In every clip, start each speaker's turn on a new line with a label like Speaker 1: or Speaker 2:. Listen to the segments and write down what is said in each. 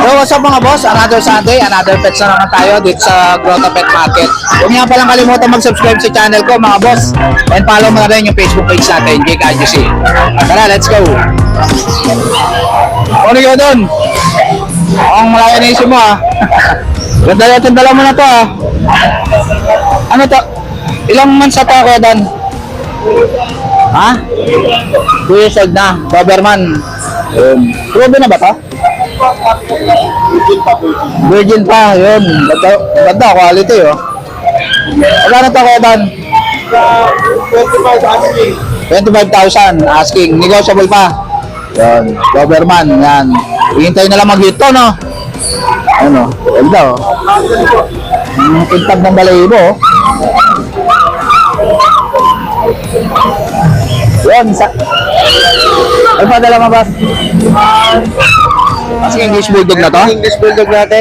Speaker 1: So what's up mga boss, another Sunday, another pets na naman tayo dito sa Grotto Pet Market. Huwag niyo palang kalimutan mag-subscribe sa channel ko mga boss, and follow mo na rin yung Facebook page natin, Jake IGC. Tara, let's go. Ano yun doon? Ang malaki na isip mo Ganda natin, dala mo na to Ano to? Ilang months na to ako Dan? Ha? 2 years old na, Doberman. Proven na ba to? Virgin pa, yun. Ganda, quality Magkano to kaya Dan? 25,000 asking, negotiable pa. Yan, Doberman, yan. Hihintay na lang mag-hit to, no? Ano, ganda Pintag ng balahibo Yan, ano pa dala mo ba? Kasi English Bulldog na to?
Speaker 2: English Bulldog natin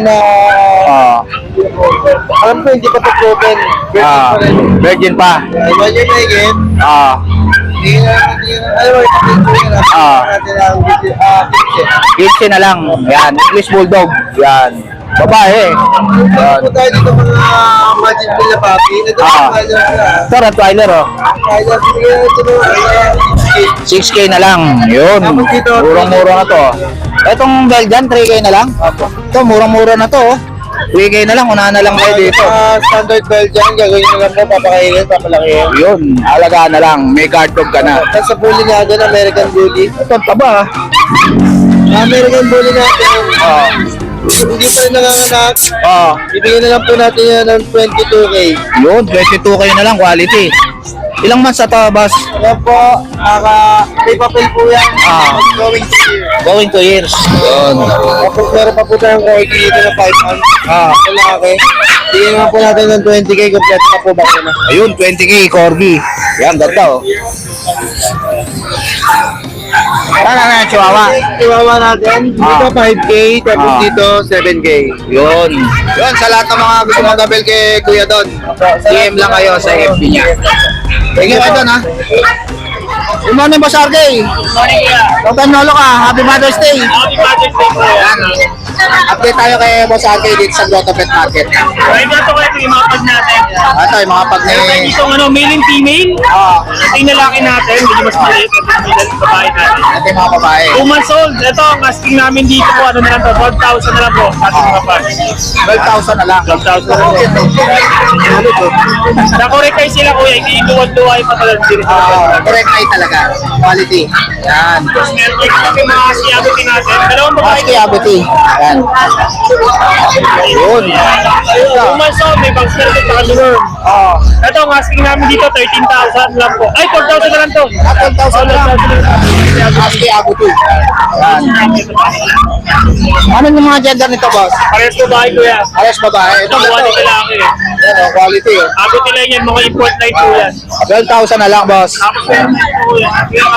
Speaker 2: alam ko hindi pa ito proven.
Speaker 1: Virgin pa.
Speaker 2: Virgin na again.
Speaker 1: Kitchen na lang. Yan, English Bulldog. Yan. Babae.
Speaker 2: Yan. Ito tayo dito mga Magic Bill na papi.
Speaker 1: Ito, Rottweiler 6K na lang. Yun. Murang-mura na to. Itong Belgian, 3K na lang. Ito, murang-mura na to 3K na lang, unahan na lang kayo dito.
Speaker 2: Standard Belgian, gagawin na lang mo, papakainin, papalakihin.
Speaker 1: Yun, alagaan na lang, may guard dog ka na.
Speaker 2: Tapos sa bully natin, American Bully.
Speaker 1: Ito, taba
Speaker 2: American Bully natin. Hindi pa rin nanganganak. Ibigyan na lang po natin yan ng 22K.
Speaker 1: Yun, 22K na lang, quality. Ilang months na to, boss?
Speaker 2: Yan po, may papel po yan.
Speaker 1: Going 2 years. Yun.
Speaker 2: Tapos meron pa po tayong corgi dito na 5 months. Malaki. Bigyan naman po natin ng 20K, kompleto na po ba na.
Speaker 1: Ayun, 20K, corgi. Yan, ganda Ano Chihuahua?
Speaker 2: Chihuahua natin, dito 5K, tapos dito 7K.
Speaker 1: Yun. Yun, sa lahat ng mga gusto mag-abel kay Kuya Don, DM lang kayo sa FB niya. Thank you, Don, Good morning, Boss RK.
Speaker 3: Good morning, kuya.
Speaker 1: Long Lolo ka. Happy Mother's Day.
Speaker 3: Happy Mother's Day, kuya.
Speaker 1: Yan. Update tayo kay Boss RK dito sa Grotto Pet Market.
Speaker 3: Right na ito kayo yung mga pag natin.
Speaker 1: Ito, yung mga pag
Speaker 3: Meron tayo dito male and female. Ito yung lalaki natin. Medyo mas maliit. Ito yung babae natin.
Speaker 1: Ito yung mga babae.
Speaker 3: 2 months old. Ito, ang asking namin dito po. Ano na lang to? 12,000 na lang po. Sa ating mga pag.
Speaker 1: 12,000 na lang.
Speaker 3: 12,000 na lang po. Nakorek kayo sila, kuya. Hindi duwag-duwag pa talaga.
Speaker 1: Correct eye talaga. Quality. Yan.
Speaker 3: Tapos meron kayo yung mga siyabuti natin. Dalawang babae.
Speaker 1: Husky Abiti. Yan. Yun.
Speaker 3: 2 months old. May bangs na rin sa kanilor. Ito, ang asking namin dito, 13,000 lang po. Ay, 12,000 na lang to.
Speaker 1: 12,000 lang. Husky Abiti. Yan. Ano yung mga gender nito, boss?
Speaker 3: Parehas babae, kuya.
Speaker 1: Alas babae. Ito,
Speaker 3: Ito, quality lalaki.
Speaker 1: Yan, quality.
Speaker 3: Abot nila yan, mga import line po yan.
Speaker 1: 12,000 na lang, boss.
Speaker 3: Tapos meron din po yan.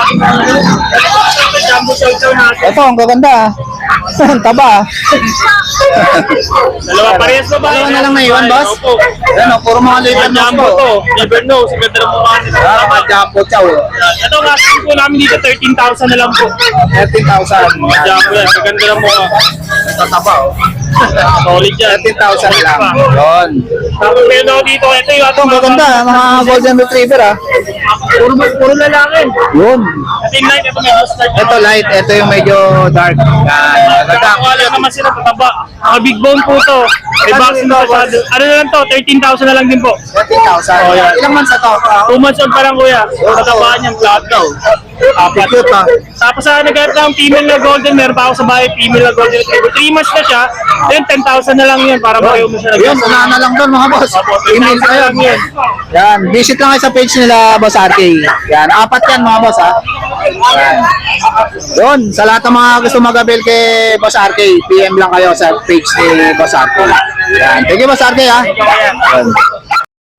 Speaker 3: Jumbo chow natin.
Speaker 1: Ito, ang gaganda. Ang taba.
Speaker 3: Dalawa, parehas babae.
Speaker 1: Dalawa na lang na iwan, boss?
Speaker 3: Opo.
Speaker 1: Yan, puro mga liver
Speaker 3: Mga jumbo to. Liver nose. Ganda ng mukha nila.
Speaker 1: Mga jumbo chow.
Speaker 3: Ito, ang asking po namin dito, 13,000 na lang po.
Speaker 1: 13,000.
Speaker 3: Jumbo yan. Ganda ng mukha.
Speaker 1: Ito taba,
Speaker 3: Solid yan.
Speaker 1: 13,000 lang. Yun.
Speaker 3: Tapos meron ako dito. Ito yung
Speaker 1: Ito, ang gaganda. Mga golden retriever,
Speaker 3: Puro lalaki.
Speaker 1: Yun.
Speaker 3: Ito yung light. Ito medyo start.
Speaker 1: Ito light, ito yung medyo dark. Yan. Ganda.
Speaker 3: Nakakawala naman sila pataba. Mga big bone po to. May vaccine na masyado. Ano na lang to? 13,000 na lang din po.
Speaker 1: 13,000.
Speaker 3: Oh, yan.
Speaker 1: Ilang months na to?
Speaker 3: 2 months old pa lang, kuya. Katabaan niyang flat daw. Apat.
Speaker 1: Cute,
Speaker 3: Tapos sa nagkaroon ng female na golden, meron pa ako sa bahay, female na golden retriever. 3 months na siya, then 10,000 na lang yun para pareho mo siya.
Speaker 1: Yun, unahan na lang doon mga boss. Email kayo.
Speaker 3: Yan.
Speaker 1: Yan, visit lang kayo sa page nila, Boss RK. Yan, 4 yan mga boss ha. Yan. Yun, sa lahat ng mga gusto mag-avail kay Boss RK, PM lang kayo sa page ni Boss RK. Yan, thank you Boss RK ha. Yan.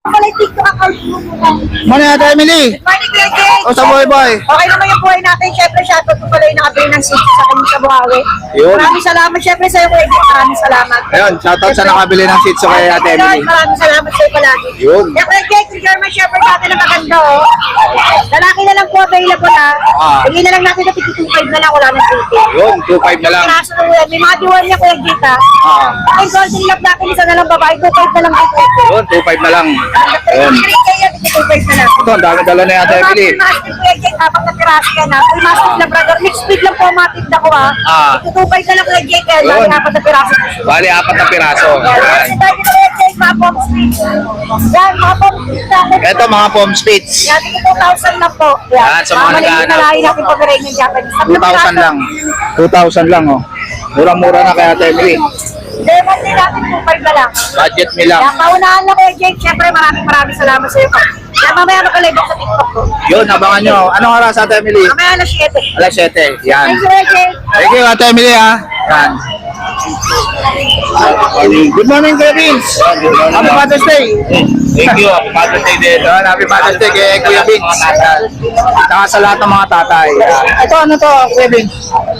Speaker 4: Pala yung TikTok account mo muna.
Speaker 1: Muna natin, Emily.
Speaker 4: Morning, Kuya Jay.
Speaker 1: O sa boy.
Speaker 4: Okay naman yung buhay natin. Siyempre, shoutout ko pala yung nakabili ng seats sa kanya sa Buhawi.
Speaker 1: Yun.
Speaker 4: Maraming salamat. Siyempre, sa'yo, Kuya Jay. Maraming salamat.
Speaker 1: Ayun, shoutout sa nakabili ng Shih Tzu kay Ate Emily.
Speaker 4: Maraming salamat sa'yo palagi.
Speaker 1: Yun.
Speaker 4: Kaya Kuya Jay, yung German Shepherd natin ang maganda, oh. Lalaki na lang po available, ha.
Speaker 1: Ah.
Speaker 4: Bigyan na lang natin na 52.5 na lang. Wala nang 50.
Speaker 1: Yun, 2.5 na lang.
Speaker 4: Kaso na yan. May mga diwan niya, Kuya Jay, ha.
Speaker 1: Ah.
Speaker 4: Ay, golden love natin. Isa na lang babae. 2.5 na lang.
Speaker 1: Yun, 2.5 na lang. Yun. Ito, ang dami dala na Ate Emily.
Speaker 4: Mastiff Kuya Jake, habang napirasi ka na. Uy, Mastiff Labrador. Mixed breed lang po matip na ko, ha.
Speaker 1: Ah.
Speaker 4: Itutupay ka lang Kuya Jake, kaya
Speaker 1: Yun.
Speaker 4: lagi apat na piraso.
Speaker 1: Bali, 4 na piraso.
Speaker 4: Yan.
Speaker 1: Yan.
Speaker 4: Kasi tayo Kuya Jake, mga pom street. Yan, mga pom street natin.
Speaker 1: Ito, mga foam spits.
Speaker 4: Yan, 2,000 lang po.
Speaker 1: Yan, sa mga
Speaker 4: maliit na
Speaker 1: naghahanap.
Speaker 4: lahi natin pag-rate ng Japanese.
Speaker 1: 2,000 lang. 2,000 lang, oh. Murang-mura na kay Ate Emily.
Speaker 4: Lemon din natin 2,500 na lang.
Speaker 1: Budget me lang.
Speaker 4: Yan, paunahan na Kuya Jake. Siyempre, maraming salamat sa iyo. Yan, mamaya mag-live ako sa TikTok ko.
Speaker 1: Yun, abangan nyo. Anong oras, Ate Emily?
Speaker 4: Mamaya alas 7.
Speaker 1: Alas 7. Yan.
Speaker 4: Thank you, Kuya Jake.
Speaker 1: Thank you, Ate Emily, ha. Yan. Good morning, Kuya Vince. Happy Father's Day.
Speaker 3: Thank you. Father's Day din.
Speaker 1: Yun, happy Father's Day kay Kuya Vince. Yan. Saka sa lahat ng mga tatay. Yan. Ito, ano to, Kuya Vince?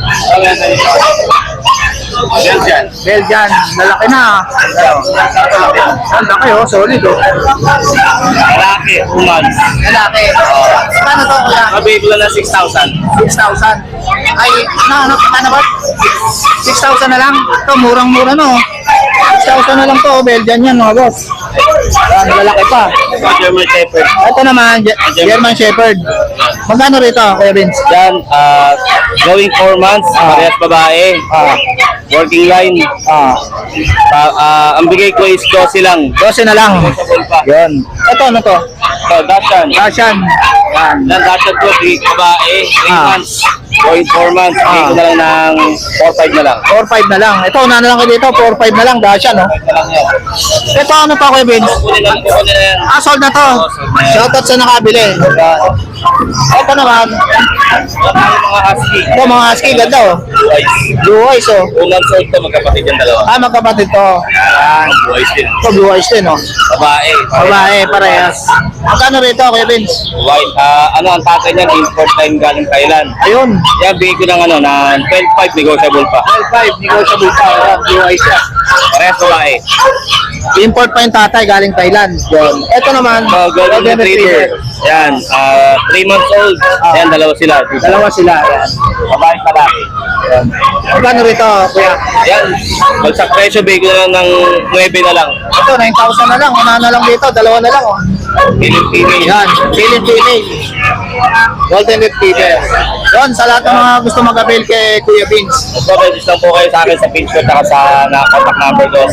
Speaker 3: Belgian.
Speaker 1: Belgian. Lalaki na. Ang laki, oh. Solid, oh.
Speaker 3: Lalaki, 2 months.
Speaker 1: Lalaki. Paano to, Kuya?
Speaker 3: Mabigay ko lang ng 6,000.
Speaker 1: 6,000. Ay, ano ba? 6,000 na lang. Ito, murang-mura no. 6,000 na lang to, Belgian yan mga boss. Yan, lalaki pa.
Speaker 3: German Shepherd.
Speaker 1: Ito naman, German Shepherd. Magkano rito, Kuya Vince?
Speaker 3: Yan, going 4 months, parehas babae.
Speaker 1: Ah,
Speaker 3: Working line.
Speaker 1: ah,
Speaker 3: Ang bigay ko is 12 lang.
Speaker 1: 12 na lang. Yun. Ito, ano to?
Speaker 3: So, Dashan.
Speaker 1: Russian. Yan.
Speaker 3: Yan, Dashan ko, bigay ko babae, 3
Speaker 1: Ah.
Speaker 3: months. Going 4 months, bigay ko na lang ng 4-5 na lang.
Speaker 1: 4-5 na lang. Ito, una na lang ko dito, 4-5 na lang, Russian, no?
Speaker 3: Ito lang yan.
Speaker 1: Ito, ano to, Kuya Vince?
Speaker 3: Kunin na yan.
Speaker 1: Ah, sold na to. Shoutout sa nakabili. Ito naman.
Speaker 3: Mga husky.
Speaker 1: Ito, mga husky, ganda, oh.
Speaker 3: Boys.
Speaker 1: Blue eyes, oh.
Speaker 3: 2 months old to, magkapatid yung dalawa.
Speaker 1: Ah, magkapatid to. Yan.
Speaker 3: Boys din.
Speaker 1: Ito, blue eyes din, oh.
Speaker 3: Babae.
Speaker 1: Babae, parehas. Magkano rito, Kuya Vince?
Speaker 3: White. Ano ang tatay niyan? Import line galing Thailand.
Speaker 1: Ayun.
Speaker 3: Yan, bigay ko ng 12.5 negotiable pa.
Speaker 1: 12.5, negotiable pa. Ayan, blue eyes siya.
Speaker 3: Parehas babae.
Speaker 1: Import pa yung tatay, galing Thailand. Yun. Ito naman,
Speaker 3: So, Golden Retriever. Yan, 3 months old. Yan, dalawa sila.
Speaker 1: Dalawa sila. Ayan.
Speaker 3: Babae palaki.
Speaker 1: Magkano rito, Kuya?
Speaker 3: Yan, bagsak presyo, bigay ko na lang ng 9 na lang.
Speaker 1: Ito, 9,000 na lang. Una na lang dito, dalawa na lang, oh.
Speaker 3: Pilipili.
Speaker 1: Yan, feeling. Golden Retriever. Yun, sa lahat ng mga gusto mag-avail kay Kuya Vince.
Speaker 3: So, register po kayo sa akin sa page ko at sa contact number ko.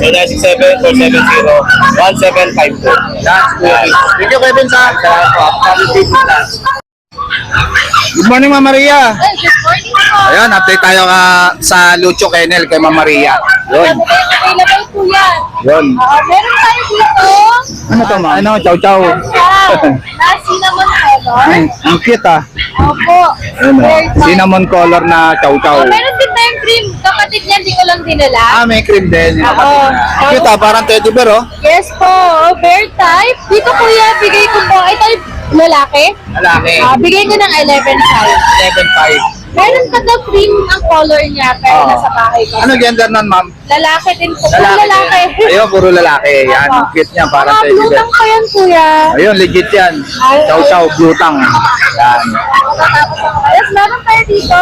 Speaker 3: 0967-470-1752.
Speaker 1: Yan, si Kuya Vince. Thank you, Kuya Vince, ha. Salamat po. Good morning, Ma'am Maria.
Speaker 4: Ay, good morning po.
Speaker 1: Ayan, update tayo sa Lucho Kennel kay Ma'am Maria. Yun.
Speaker 4: Available po yan.
Speaker 1: Yun.
Speaker 4: Meron tayo dito.
Speaker 1: Ano to, Ma'am? Ano, chow chow.
Speaker 4: Wow. Na cinnamon color.
Speaker 1: Ang cute, ah.
Speaker 4: Opo.
Speaker 1: Ano,
Speaker 4: Very fine.
Speaker 1: cinnamon color na chow chow.
Speaker 4: Meron din tayong cream. Kapatid niya, di ko lang dinala.
Speaker 1: Ah, may cream din.
Speaker 4: Oo.
Speaker 1: Ang cute, ah. Parang teddy bear, oh.
Speaker 4: Yes po. Bear type. Dito kuya, bigay ko po. Ito yung lalaki.
Speaker 1: Lalaki.
Speaker 4: Bigay ko ng 11.5.
Speaker 1: 7.5.
Speaker 4: Meron ka daw cream ang color niya, pero
Speaker 1: Oo.
Speaker 4: nasa bahay ko.
Speaker 1: Ano gender nun, Ma'am?
Speaker 4: Lalaki din po. Puro lalaki.
Speaker 1: Ayun, puro lalaki. Yan, ang cute niya. Parang
Speaker 4: Mga
Speaker 1: teddy
Speaker 4: blue
Speaker 1: bear.
Speaker 4: lang pa yan, kuya.
Speaker 1: Ayun, legit yan. Chow chow, blue tang. Yan.
Speaker 4: Yes, meron tayo dito.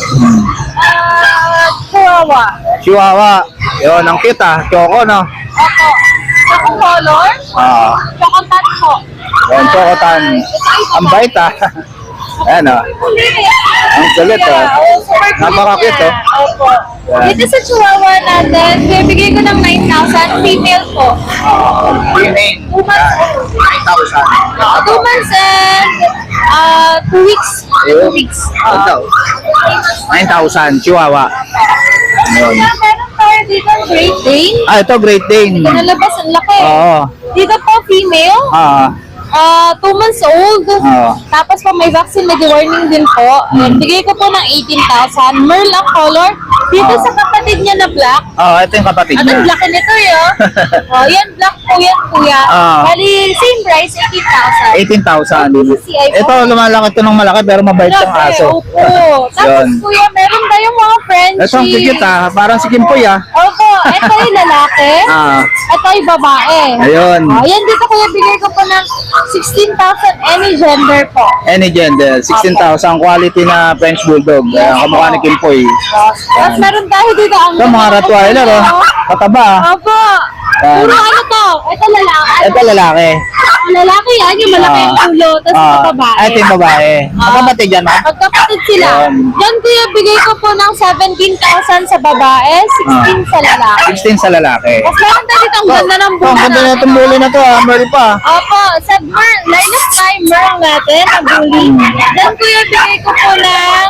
Speaker 4: Chihuahua.
Speaker 1: Chihuahua. Yun, ang cute, ah. Choco, no?
Speaker 4: Opo. Choco color.
Speaker 1: Ah.
Speaker 4: Choco tan po.
Speaker 1: Yun, chocotan. Ang bait, ah. Ayan, oh. Ang kulit, oh. Napaka-cute, oh.
Speaker 4: Opo.
Speaker 1: Yan.
Speaker 4: Dito sa Chihuahua natin, bibigay ko ng 9,000. Female po.
Speaker 1: Female.
Speaker 4: 2 months old.
Speaker 1: 9,000.
Speaker 4: 2 months and 2 weeks.
Speaker 1: Ayun.
Speaker 4: 2 weeks.
Speaker 1: Ito. 9,000. Chihuahua. Yun.
Speaker 4: Meron tayo dito Great Dane.
Speaker 1: Ah, ito, Great Dane.
Speaker 4: Nalabas ang laki.
Speaker 1: Oo.
Speaker 4: Dito po female. 2 months old.
Speaker 1: Oo.
Speaker 4: Tapos po may vaccine na warning din po. And bigay ko po ng 18,000. Merl ang color. Dito
Speaker 1: Oo.
Speaker 4: sa kapatid niya na black,
Speaker 1: Oh, ito yung kapatid
Speaker 4: at
Speaker 1: niya.
Speaker 4: ang laki nito yun. Oh, yan black po yan kuya.
Speaker 1: Ah.
Speaker 4: Bali, same price, 18,000.
Speaker 1: 18,000. Ito, lumalaki ito ng malaki pero mabait yung
Speaker 4: Grabe,
Speaker 1: aso.
Speaker 4: Opo. Tapos
Speaker 1: Yun.
Speaker 4: kuya, meron tayong mga Frenchie.
Speaker 1: Ito ang cute parang si Kimpoy
Speaker 4: Opo, ito yung lalaki.
Speaker 1: Ah,
Speaker 4: Ito yung babae.
Speaker 1: ayun.
Speaker 4: Oh, yan dito kuya, bigay ko po ng 16,000 any gender po.
Speaker 1: Any gender, 16,000 quality na French Bulldog. Kamukha ni Kimpoy.
Speaker 4: Tapos meron tayo dito ang
Speaker 1: Ito mga Rottweiler, oh. Pataba.
Speaker 4: Opo.
Speaker 1: Yan.
Speaker 4: Puro ano to? Ito lalaki.
Speaker 1: Ito lalaki.
Speaker 4: Ang lalaki yan, yung malaki yung ulo. Tapos ito babae.
Speaker 1: Ito yung babae. Magkapatid yan, ha?
Speaker 4: Magkapatid sila.
Speaker 1: Yan.
Speaker 4: Yan kuya, bigay ko po ng 17,000 sa babae, 16 sa lalaki.
Speaker 1: 16 sa lalaki.
Speaker 4: Tapos meron tayo dito ang ganda ng
Speaker 1: Ito, ang ganda na itong bully na to, ha? Meron pa.
Speaker 4: Opo, sa line of timer natin, ang bully. Then kuya, bigay ko po ng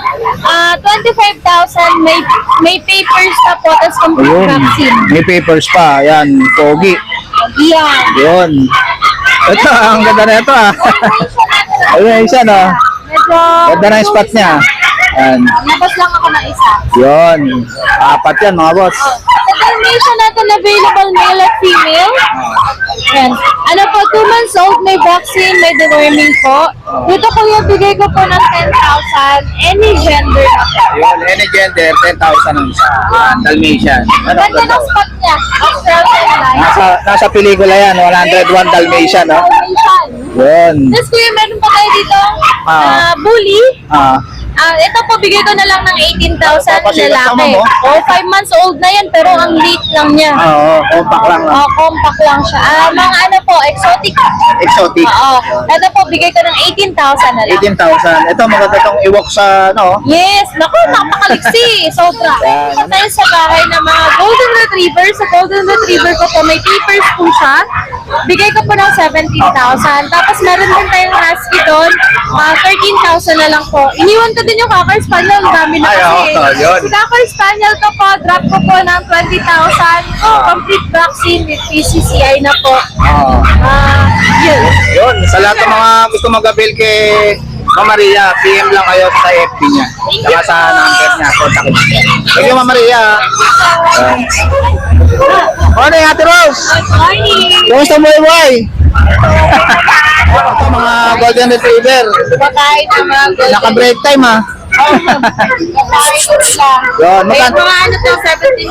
Speaker 4: 25,000. May papers na po, tapos complete
Speaker 1: Ayun.
Speaker 4: vaccine.
Speaker 1: May papers pa. Yan, pogi.
Speaker 4: Yan.
Speaker 1: Yun. Ito, ang ganda na ito, ha? Ayun, isa, no?
Speaker 4: Medyo...
Speaker 1: Ganda na yung spot niya. Yan.
Speaker 4: Labas lang ako ng isa.
Speaker 1: Yun. Apat yan, mga boss.
Speaker 4: Sa Dalmatian natin available male at female. Yan. Ano po, 2 months old, may vaccine, may deworming po. Dito kuya, bigay ko po ng 10,000. Any gender na po.
Speaker 1: Yun, any gender, 10,000 ang isa. Yan, Dalmatian. Ano,
Speaker 4: Ganda ng spot niya. Australian line.
Speaker 1: nasa pelikula yan, 101 Dalmatian, no?
Speaker 4: Dalmatian.
Speaker 1: Yun.
Speaker 4: Tapos kuya, meron pa tayo dito
Speaker 1: Ah.
Speaker 4: bully.
Speaker 1: Ah,
Speaker 4: Ito po, bigay ko na lang ng 18,000
Speaker 1: Papasilat
Speaker 4: lalaki.
Speaker 1: naman, oh.
Speaker 4: 5 months old na yan, pero ang late lang niya.
Speaker 1: oo, compact lang. No?
Speaker 4: Compact lang siya. Mga ano po, exotic.
Speaker 1: Exotic.
Speaker 4: Oo. Ito po, bigay ko ng 18,000 na lang.
Speaker 1: 18,000. Ito, maganda itong iwok sa, no?
Speaker 4: Yes! Naku, napakaliksi. Sobra.
Speaker 1: Yan.
Speaker 4: Ito tayo sa bahay ng mga Golden Retriever. Sa Golden Retriever ko po, may papers po siya. Bigay ko po ng 17,000. Tapos meron din tayong husky doon. 13,000 na lang po. Iniwan ko din yung Cocker Spaniel. Ang dami na
Speaker 1: Ay,
Speaker 4: kasi.
Speaker 1: oo, yun.
Speaker 4: Si Cocker Spaniel ko po, drop ko po ng 20,000. Complete vaccine with PCCI na po.
Speaker 1: Oo.
Speaker 4: Yun.
Speaker 1: Yun, sa lahat ng mga gusto mag-avail kay Ma'am Maria, PM lang kayo sa FB niya. Saka sa number niya, contact niya. Thank you, Ma'am Maria. Morning, Ate Rose!
Speaker 4: Good morning.
Speaker 1: Kumusta mo, boy? Ito, mga Golden Retriever.
Speaker 4: Kumakain ng mga golden.
Speaker 1: Naka-break time, ha?
Speaker 4: Kumakain ko sila.
Speaker 1: Yun,
Speaker 4: May
Speaker 1: magkano?
Speaker 4: mga ano to,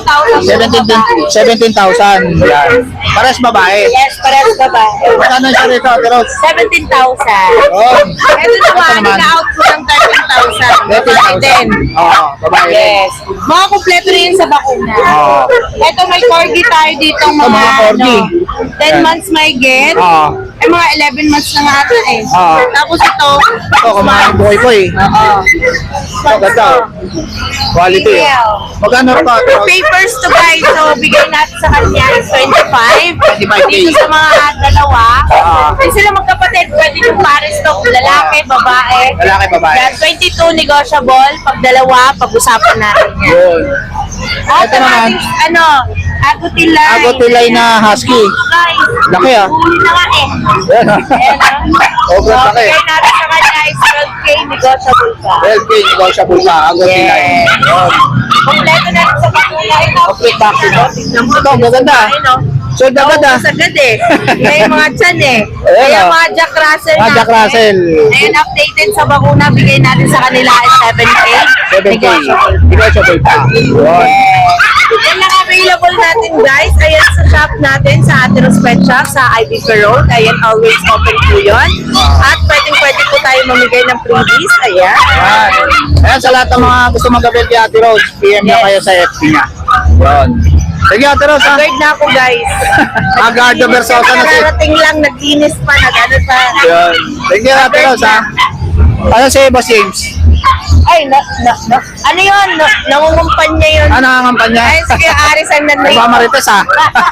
Speaker 4: 17,000.
Speaker 1: 17,000 yan. Pares babae.
Speaker 4: Yes, parehas babae.
Speaker 1: Magkano siya rito, Ate Rose?
Speaker 4: 17,000.
Speaker 1: Yun.
Speaker 4: Ito naman,
Speaker 1: naman.
Speaker 4: ina-out ko ng 13,000. Babae din.
Speaker 1: Oo, babae.
Speaker 4: Yes. Mga kumpleto rin sa bakuna.
Speaker 1: Oo.
Speaker 4: Ito may corgi tayo dito
Speaker 1: Ito, mga corgi.
Speaker 4: 10 months may get.
Speaker 1: Oo.
Speaker 4: Ay mga 11 months na nga ata eh.
Speaker 1: Oo.
Speaker 4: Tapos ito,
Speaker 1: Ito, kumain buhay ko, eh.
Speaker 4: oo.
Speaker 1: Ito, ganda. Quality, eh. Magkano rin ba, Ate Rose?
Speaker 4: Papers to buy. So, bigay natin sa kanya is 25.
Speaker 1: 25K.
Speaker 4: Dito sa mga dalawa.
Speaker 1: Ah.
Speaker 4: Yung sila magkapatid, pwede yung pares to. Lalaki, babae.
Speaker 1: Lalaki, babae.
Speaker 4: Yan, 22 negotiable. Pag dalawa, pag-usapan natin yan.
Speaker 1: Yun.
Speaker 4: At
Speaker 1: Ito naman.
Speaker 4: ano, agutilay.
Speaker 1: Agotilay na husky.
Speaker 4: Guys,
Speaker 1: Laki, ah.
Speaker 4: huli na nga eh.
Speaker 1: Yan, ha?
Speaker 4: Ayan ah.
Speaker 1: Sobrang
Speaker 4: So,
Speaker 1: laki.
Speaker 4: bigay natin sa kanya is 12K negotiable pa.
Speaker 1: 12K, negotiable pa. Agotilay.
Speaker 4: Yes.
Speaker 1: Yun.
Speaker 4: Kompleto na rin sa bakuna. Ito,
Speaker 1: Complete vaccine, no? Ito, maganda.
Speaker 4: Ayun, oh.
Speaker 1: Sold agad, ah.
Speaker 4: Naubos agad eh. Kaya yung mga tiyan eh.
Speaker 1: Ayan,
Speaker 4: Kaya
Speaker 1: oh.
Speaker 4: mga Jack Russell
Speaker 1: Ah, Jack
Speaker 4: natin.
Speaker 1: Russell.
Speaker 4: Ayun, updated sa bakuna. Bigay natin sa kanila is 7K.
Speaker 1: 7K.
Speaker 4: Negotiable.
Speaker 1: Negotiable pa. Yun.
Speaker 4: Yan lang available natin guys. Ayan sa shop natin sa Ateros Pet Shop sa IBP Road. Ayan, always open po yun. At pwede po tayo mamigay ng freebies. Ayan.
Speaker 1: Yan. Ayan, sa lahat ng mga gusto mag-avail kay Ate Rose, PM na
Speaker 4: Yes.
Speaker 1: kayo sa FB niya. Yun. Sige, Ate Rose, ha?
Speaker 4: Guard na ako guys.
Speaker 1: Agardo Versosa na si...
Speaker 4: Nakarating lang, naglinis pa, nag-ano pa.
Speaker 1: Yun. Thank you, Ate Rose, ha? Ano si Boss James?
Speaker 4: Ay, ano yun? Nangungumpanya yun.
Speaker 1: Ano ang kampanya?
Speaker 4: Ay, sige, Aris ang nanay.
Speaker 1: Nagmamarites, ha?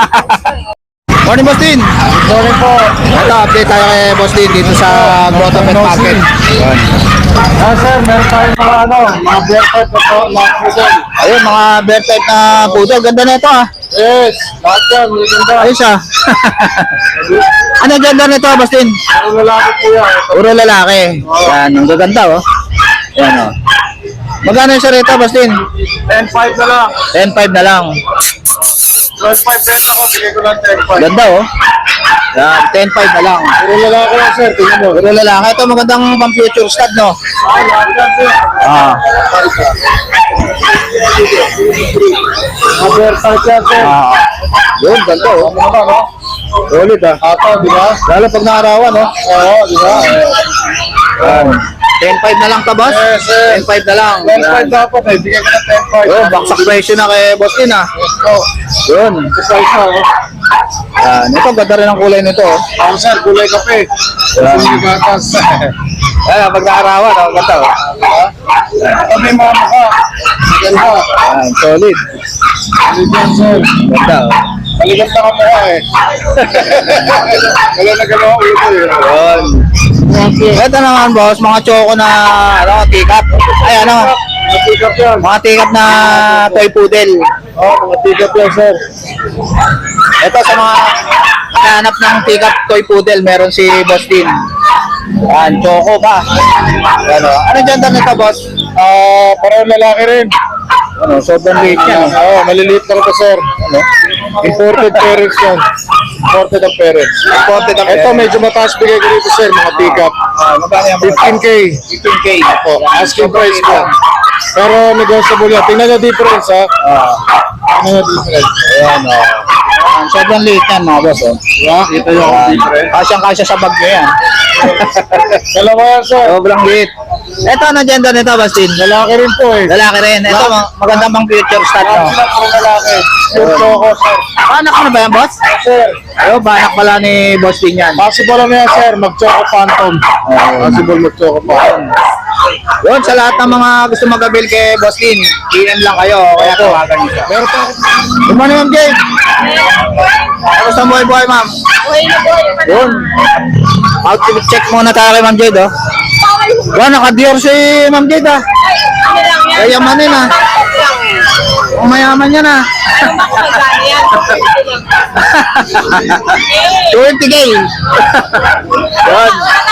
Speaker 1: Morning, Boss Din. Morning po. Ito, update tayo kay Boss Din dito sa Grotto Pet Market. Yun.
Speaker 2: Sir, meron tayong mga mga bear type na po, mga poodle.
Speaker 1: Ayun, mga bear type na poodle. Ganda na ito, ha?
Speaker 2: Yes, lahat yan, maganda.
Speaker 1: Ayos, ha? Ano ganda na ito, Boss Din?
Speaker 2: Ang lalaki po yan.
Speaker 1: Puro lalaki. Yan, ang gaganda, oh. Yan, oh. Magkano yung sarita, Bastin?
Speaker 2: 10.5 na lang.
Speaker 1: 10.5 na lang.
Speaker 2: 12.5 benta ko, bigay ko lang 10.5.
Speaker 1: Ganda oh. Yan, 10.5 na lang.
Speaker 2: Puro lalaki lang, sir. Tingnan mo.
Speaker 1: Pero lalaki, ito magandang pang future stud, no?
Speaker 2: Lahat yan, sir.
Speaker 1: Ah.
Speaker 2: Advertise yan, sir.
Speaker 1: Ah. Yun, ganda oh.
Speaker 2: Ano naman, no?
Speaker 1: Solid ah.
Speaker 2: Ata, di ba?
Speaker 1: Lalo pag naarawan, no?
Speaker 2: Oo, di ba?
Speaker 1: Yan. 10.5 na lang ka, boss?
Speaker 2: Yes, sir.
Speaker 1: 10.5 na lang.
Speaker 2: 10.5 dapat eh. Bigay ko ng 10.5.
Speaker 1: Yun, baksak presyo na kay boss din ah.
Speaker 2: Oh,
Speaker 1: Yun.
Speaker 2: isa isa, oh.
Speaker 1: Yan. Ito, ganda rin ang kulay nito oh.
Speaker 2: Ako, sir, kulay kape.
Speaker 1: Yan.
Speaker 2: Hindi gatas.
Speaker 1: Yan, pag naarawan, oh. Ganda oh.
Speaker 2: Ito may mga mukha. Ganda.
Speaker 1: Yan, solid.
Speaker 2: Bigyan, sir.
Speaker 1: Ganda oh.
Speaker 2: Maligat na ka mukha eh. Wala na galaw ulo eh.
Speaker 1: Yun. Ito naman boss, mga choco na ano, teacup. Ay ano,
Speaker 2: Matikap yan.
Speaker 1: mga teacup na toy poodle.
Speaker 2: Oo, mga tikap yan, sir.
Speaker 1: Ito sa mga hanap ng teacup toy poodle, meron si Boss Din. Yan, choco pa. Ano, ano gender nito boss?
Speaker 2: Parang lalaki rin.
Speaker 1: Ano, sobrang liit yan.
Speaker 2: Oo, maliliit lang ito, sir.
Speaker 1: Ano?
Speaker 2: Imported parents yan. Imported ang parents.
Speaker 1: Imported ang
Speaker 2: Ito,
Speaker 1: parents.
Speaker 2: medyo mataas bigay ko dito, sir, mga tikap.
Speaker 1: Magkano yan?
Speaker 2: 15K.
Speaker 1: 15K.
Speaker 2: Po, asking price ko. Pero negotiable yan. Tingnan nyo difference, ha? Tingnan nyo difference.
Speaker 1: Ayan, oh. Ayan, sobrang liit yan mga boss. Oh.
Speaker 2: Diba? Kita nyo ang difference.
Speaker 1: Kasyang-kasya sa bag nyo yan.
Speaker 2: Dalawa yan, sir.
Speaker 1: Sobrang liit. Ito, ano gender nito, Bastin?
Speaker 2: Lalaki rin po, eh.
Speaker 1: Lalaki rin. Ito, magandang pang future stat,
Speaker 2: Lahat
Speaker 1: no?
Speaker 2: sila puro lalaki. Yung choco, sir.
Speaker 1: Banak ka na ba yan, boss?
Speaker 2: Sir,
Speaker 1: Ayun, banak pala ni Boss Din yan.
Speaker 2: possible na yan, sir. Mag-choco phantom. Possible mag-choco phantom.
Speaker 1: Yun, sa lahat ng mga gusto mag-avail kay Boss Din, PM lang kayo, kaya tawagan niyo siya.
Speaker 2: Meron pa
Speaker 1: Good morning, Ma'am Jade. Kamusta ang buhay-buhay, ma'am? Yun. Outfit check muna tayo kay Ma'am Jade, oh. Yan, naka-Dior si Ma'am Jade, ah. Kayamanin, ah. Ang mayaman yan, ah. 20K. Yun.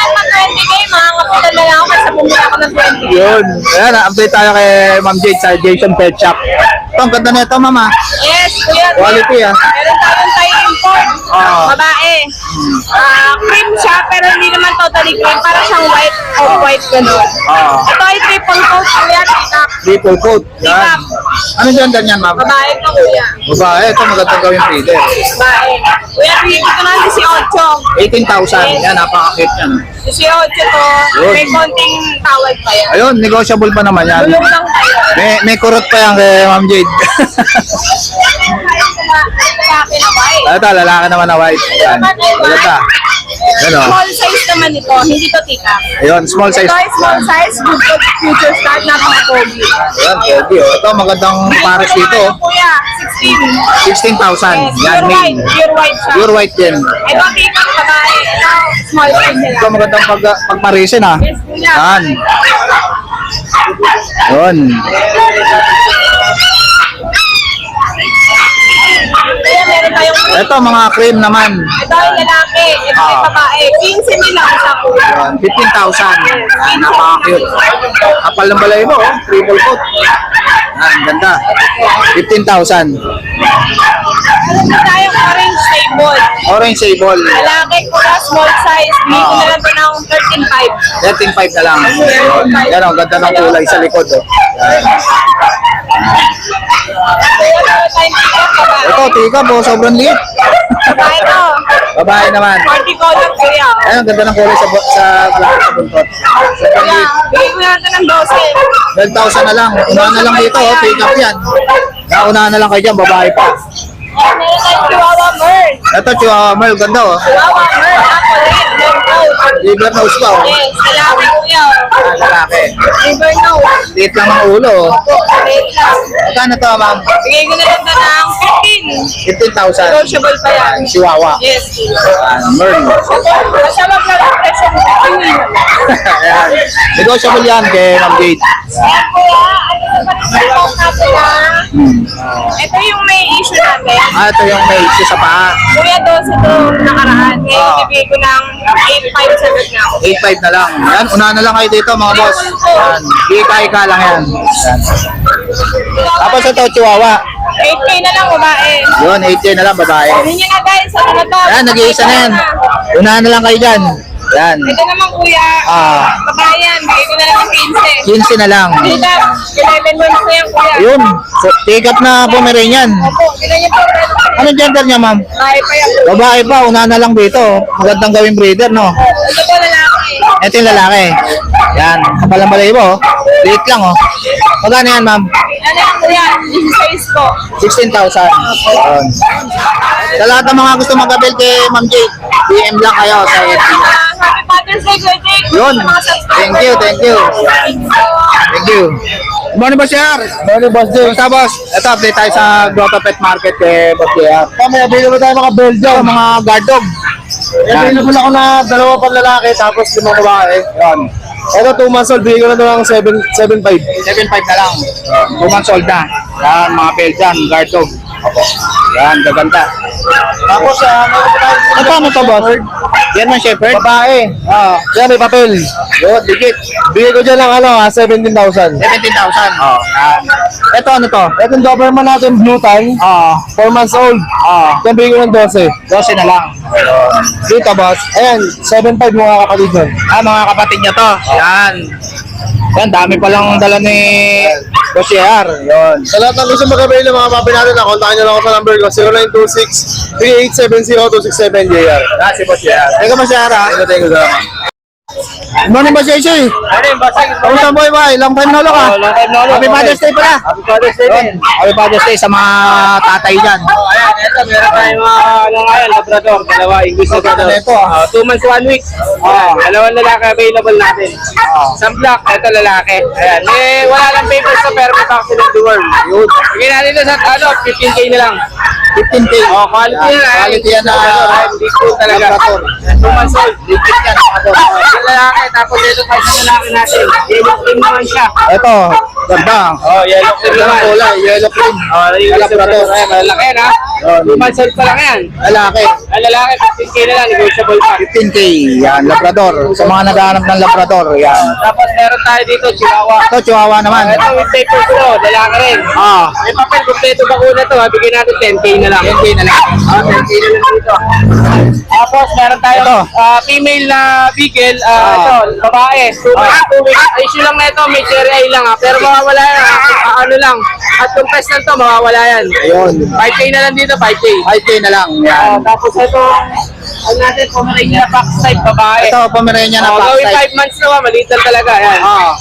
Speaker 1: Yun. Ayan, update tayo kay Ma'am Jade sa Jason Pet Shop. Ito, ang ganda na ito, ma'am, ah.
Speaker 5: Yes, kuya.
Speaker 1: Quality, ah.
Speaker 5: Meron tayong Thai import.
Speaker 1: Ah.
Speaker 5: Babae. Cream siya, pero hindi naman totally cream. Para siyang white, off-white ganun.
Speaker 1: Ah.
Speaker 5: Ito ay triple coat, kuya. Tikap.
Speaker 1: Triple coat. Yan. Ano gender niyan, ma'am?
Speaker 5: Babae to, kuya.
Speaker 1: Babae, ito magandang gawin feeder.
Speaker 5: Babae. Kuya, bigyan ko ng 18.
Speaker 1: 18,000. Yan, napaka-cute yan.
Speaker 5: 18 to.
Speaker 1: Yun.
Speaker 5: May konting tawad pa yan.
Speaker 1: Ayun, negotiable pa naman yan.
Speaker 5: Tulong lang tayo.
Speaker 1: May kurot pa yan kay Ma'am Jade.
Speaker 5: Lalaki na white.
Speaker 1: Ito, lalaki naman na white. Yan. Maganda. Yan, oh.
Speaker 5: Small size naman ito, hindi to tikap.
Speaker 1: Ayun, small size.
Speaker 5: Ito ay small size, good for future start, napaka-pogi.
Speaker 1: Ayan, pwede, oh. Ito, magandang pares dito. oh.
Speaker 5: Kuya, 16.
Speaker 1: 16,000. Yan,
Speaker 5: Pure white,
Speaker 1: main.
Speaker 5: pure white siya.
Speaker 1: Pure white din.
Speaker 5: Ito, tikap babae. Ito, small size nila.
Speaker 1: Ito, magandang pagparisin, ah.
Speaker 5: Yes, kuya.
Speaker 1: Yan. Yun.
Speaker 5: Kuya, meron tayong
Speaker 1: Ito, mga cream naman.
Speaker 5: ito ay lalaki, ito ay babae. 15 nila isa kuya.
Speaker 1: Yan, 15,000. Yan, napaka-cute. Kapal ng balay mo, oh. Triple coat. Yan, ganda. 15,000.
Speaker 5: Meron din tayong orange table.
Speaker 1: Orange sable.
Speaker 5: Lalaki kuya, small size. Bigyan ko na lang ito ng 13.5.
Speaker 1: 13.5 na lang. Yan, ang ganda ng kulay sa likod. Oh. Yan.
Speaker 5: Kuya, meron tayong tikap babae.
Speaker 1: Ito, tika po, sobrang liit.
Speaker 5: Babae to.
Speaker 1: Babae naman.
Speaker 5: 40 color kuya.
Speaker 1: Ayan, ang ganda ng kulay sa black sa buntot. Sobrang
Speaker 5: Kuya,
Speaker 1: liit.
Speaker 5: bigyan ko na lang ito ng
Speaker 1: 12,000
Speaker 5: 12.
Speaker 1: na lang. Unahan na lang dito, oh. Pick up yan. Naunahan na lang kayo dyan, babae pa.
Speaker 5: Meron tayong Chihuahua Merl.
Speaker 1: Ito, Chihuahua Merl, ganda oh.
Speaker 5: Chihuahua Merl, chocolate, liver nose.
Speaker 1: Liver nose pa oh.
Speaker 5: Yes, lalaki kuya.
Speaker 1: Ah, lalaki.
Speaker 5: Liver nose.
Speaker 1: Liit lang ang ulo oh.
Speaker 5: Opo, maliit lang.
Speaker 1: Magkano to, ma'am?
Speaker 5: Bigay ko na lang ito ng 15.
Speaker 1: 15,000.
Speaker 5: Negotiable pa yan.
Speaker 1: Chihuahua.
Speaker 5: Yes.
Speaker 1: Merl.
Speaker 5: Basta wag lang ang presyo mo.
Speaker 1: Ayan. Negotiable yan kay Ma'am Jade.
Speaker 5: Kuya, ano naman ang natin na Ito yung may issue natin.
Speaker 1: Ito yung may issue sa paa.
Speaker 5: Kuya 12 ito nakaraan. Ngayon, bibigay ko ng 8.5 sagot na ako.
Speaker 1: 8.5 na lang. Yan, unahan na lang kayo dito mga boss. Yan, ika lang yan. Yan. Tapos ito, Chihuahua.
Speaker 5: 8K na lang, babae.
Speaker 1: Yun, 8K na lang, babae.
Speaker 5: Kunin nyo na guys, ano na to?
Speaker 1: Yan, nag-iisa na yan. Unahan na lang kayo dyan. Yan.
Speaker 5: Ito naman kuya, babae yan, bigay ko na lang ng 15.
Speaker 1: 15 na lang.
Speaker 5: Dito, 11 months na yan kuya.
Speaker 1: Ayun, pick up na Pomeranian.
Speaker 5: Opo, ganyan po.
Speaker 1: Anong gender niya, ma'am?
Speaker 5: Babae pa yan.
Speaker 1: Babae pa, unahan na lang dito. Magandang gawing breeder, no?
Speaker 5: Ito po lalaki.
Speaker 1: Ito yung lalaki. Yan, kapalang balayibo, oh. Liit lang, oh. Magkano yan, ma'am?
Speaker 5: Ano yan kuya, 16 po.
Speaker 1: 16,000. Yun. Sa lahat ng mga gusto mag-abel kay Ma'am Jade, DM lang kayo sa FB.
Speaker 5: Happy Father's Day, Kuya Jake.
Speaker 1: Yun. Thank you, thank you. Thank you. Good morning, Boss JR.
Speaker 2: Morning, Boss Jay.
Speaker 1: Basta, Boss. Ito, update tayo sa Grotto Pet Market kay Boss JR.
Speaker 2: May available tayo mga Belgium.
Speaker 1: Ito, mga guard dog.
Speaker 2: Available ako na 2 pang lalaki tapos 5 babae.
Speaker 1: Yan.
Speaker 2: Ito 2 months old, bigay ko na ito ng 7.5.
Speaker 1: 7.5 na lang. 2 months old na. Yan, mga Belgian, guard dog. Yan, gaganda.
Speaker 2: Tapos,
Speaker 1: Ano to, Boss? Yan man, Shepherd?
Speaker 2: babae. Yan, may papel.
Speaker 1: Yun, digit.
Speaker 2: Bigay ko dyan ng 17,000.
Speaker 1: 17,000. Oh. Yan. Ito, ano to?
Speaker 2: Itong Doberman natin, blue time, 4 months old. Yan, bigay ko ng 12.
Speaker 1: 12 na lang. Dito, Boss.
Speaker 2: Ayan, 7.5 mga kapatid nun.
Speaker 1: Mga kapatid niya to. Yan. Yan, dami palang dala ni Boss JR. Yun.
Speaker 2: Sa lahat ng gusto mag-avail ng mga papi natin, kontakin nyo lang ako sa number ko, 0926-3870-267 JR.
Speaker 1: Si Boss JR. Teka, Boss JR, ha?
Speaker 2: Thank you, sir.
Speaker 1: Good morning, Boss JC. Kamusta boy, boy? Long time no look, ha?
Speaker 3: long time no look.
Speaker 1: Happy Father's Day pala.
Speaker 3: Happy Father's Day din.
Speaker 1: Happy Father's Day sa mga tatay dyan.
Speaker 3: Ayan, ito, meron tayong mga, ngayon, Labrador, dalawa, English Labrador.
Speaker 1: Ito, ah.
Speaker 3: 2 months, 1 week. Dalawang lalaki available natin. Isang black, ito lalaki. Ayan, wala lang papers to, pero may vaccine of the world. Yun. Bigyan natin ito sa, 15K na lang.
Speaker 1: 15K.
Speaker 3: Quality yan,
Speaker 1: Quality yan na
Speaker 3: Big food talaga.
Speaker 1: Labrador.
Speaker 3: 2 months old.
Speaker 1: Legit yan.
Speaker 3: Yung lalaki, tapos ito pa sa lalaki natin. Yellow cream naman siya.
Speaker 1: Ito, ganda.
Speaker 3: Yellow cream
Speaker 1: Ganda
Speaker 3: naman.
Speaker 1: ng kulay, yellow cream.
Speaker 3: Yung
Speaker 1: Labrador.
Speaker 3: Labrador. Malaki na. 2 months old pa lang yan.
Speaker 1: Lalaki.
Speaker 3: Ang lalaki, 15K na lang, negotiable pa.
Speaker 1: 15K. Yan, Labrador. Sa mga naghahanap ng Labrador, yan.
Speaker 3: Tapos meron tayo dito, Chihuahua.
Speaker 1: Ito, Chihuahua naman.
Speaker 3: Ito with papers to, lalaki rin. May papel, kompleto bakuna to, bigyan natin 10K na lang.
Speaker 1: 10K na lang.
Speaker 3: 10K na lang dito. Tapos meron tayo
Speaker 1: Ito.
Speaker 3: female na beagle, ito, babae. 2 weeks. Issue lang na ito, may cherry eye lang pero mawawala yan, ano lang. At yung pest na ito, mawawala yan.
Speaker 1: Ayun.
Speaker 3: 5K na lang dito, 5K.
Speaker 1: 5K na lang. Yan.
Speaker 3: Tapos ito, ano natin, Pomeranian box type, babae.
Speaker 1: Ito, Pomeranian na box
Speaker 3: Gawin
Speaker 1: type.
Speaker 3: 5 months na, maliit lang talaga. Yan.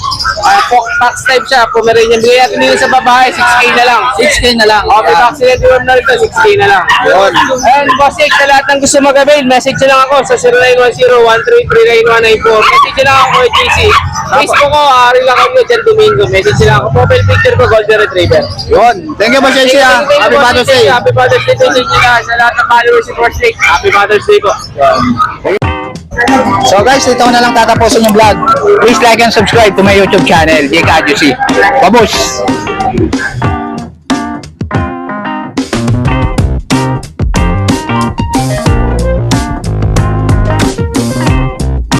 Speaker 3: Box type siya, Pomeranian. Bigay natin dito sa babae, 6K na lang.
Speaker 1: 6K na lang.
Speaker 3: Okay, vaccinated worm na rito, 6K na lang.
Speaker 1: Yun.
Speaker 3: Ayun, boss, sa lahat ng gusto mag-avail, message nyo lang ako sa 0910-1339194. Message nyo lang ako kay GC. Facebook ko, Ariel Acamio, Jan Domingo. Message nyo lang ako. Profile picture ko, Golden Retriever.
Speaker 1: Yun. Thank you, Boss JC, ha. Happy Father's Day.
Speaker 3: Happy Father's Day to sa inyo lahat. Sa lahat ng followers si Force Lake. Happy Father's Day po.
Speaker 1: So guys, dito ko na lang tatapusin yung vlog. Please like and subscribe to my YouTube channel, Jake Adjusi. Babush!